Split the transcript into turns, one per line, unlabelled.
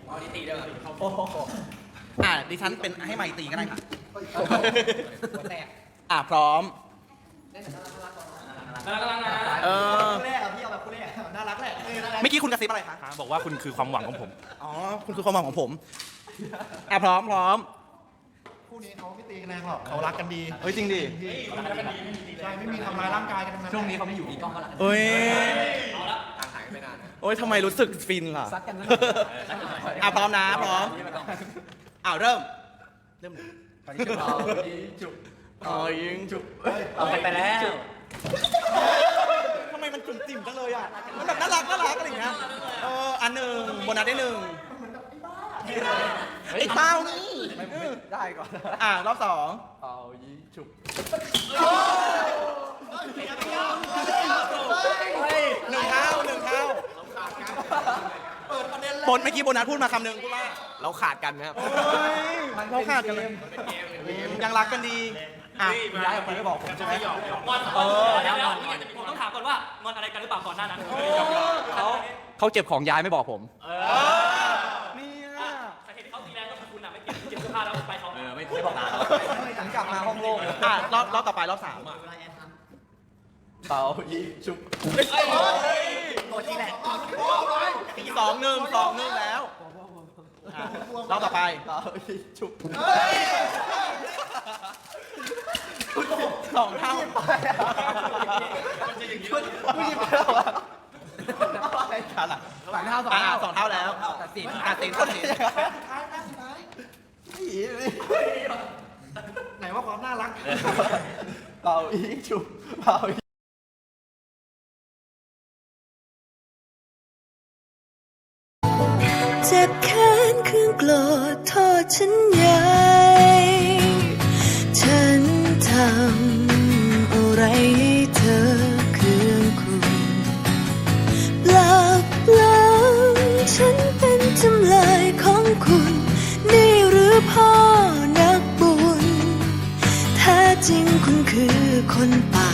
เอาดีตีเด้อ
โอ้โหดิฉันเป็นให้ไมค์ตีก็ได้ค่ะพร้อมเออ
คู่แรกอะพี่เอาแบบคู่แรกน่ารักแหละ
เมื่อกี้คุณกระซิบอะไรคะ
บอกว่าคุณคือความหวังของผม
อ๋อคุณคือความหวังของผมพร้อม
คู่นี้เขาไม่ตีกันแรงหรอกเขารักกันดี
เฮ้ยจริงดิ
ใช่ไม่มีทำร้ายร่างกายกันทั้งนั้น
ช่วงนี้เขาไม่อยู่มีกล้องเขาละ
เอ้ย
ห่างหายไปนาน
โอ้ยทำไมรู้สึกฟินล่ะ
ซัดกันนะ
พร้อมนะพร้อมเริ่ม
เอาจุบ
ยิงจุบ
เอาไปแล้ว
ทำไมมันจุ่มจิ่มจังเลยอ่ะมันแบบน่ารักอะไรอย่างเงี้ยอันหนึ่งโบนัสได้หนึ่งไอ้เต้านี่
ได้ก่อน
รอบสอง
เอายิงจุบ
หนึ่งเท่าบนเมื่อกี้โบนัสพูดมาคำหนึ่งพูดว่า
เราขาดกันนะครับ
เราขาดกันเลยยังรักกันดี
ย้ายออกไปไม่บอกผมใช่ไหม
ผมต้องถามก่อนว่างอนอะไรกันหรือเปล่าก่อนหน้านั้น
เขาเจ็บของย้ายไม่บอกผม
นี่
สาเหตุที่เขาตีแรงก็คือคุณน่ะไม่เก็บเสื้อผ้าแล้วไปเขา
ไม่บอกนะฉันกลับมาห้องโล่ง
รอบต่อไปรอบสาม
เป่ายิงจุบ
ตัวที่แหละ
สองหนึ่งแล้วรอบต่อไป
เป่ายิงจุบ
สองเท่า
ผู้หญิงแล้วอะ
อะไรกันอ่ะสองเท่าแล้วตัดสิน
ไหนว่าความน่ารัก
เป่ายิงจุบเป่ายิง
เจ็บแค้นเครื่องโกรธโทษฉันใหญ่ฉันทำอะไรให้เธอเครื่องคุณเปล่าฉันเป็นจำเลยของคุณนี่หรือพ่อนักบุญแท้จริงคุณคือคนป่า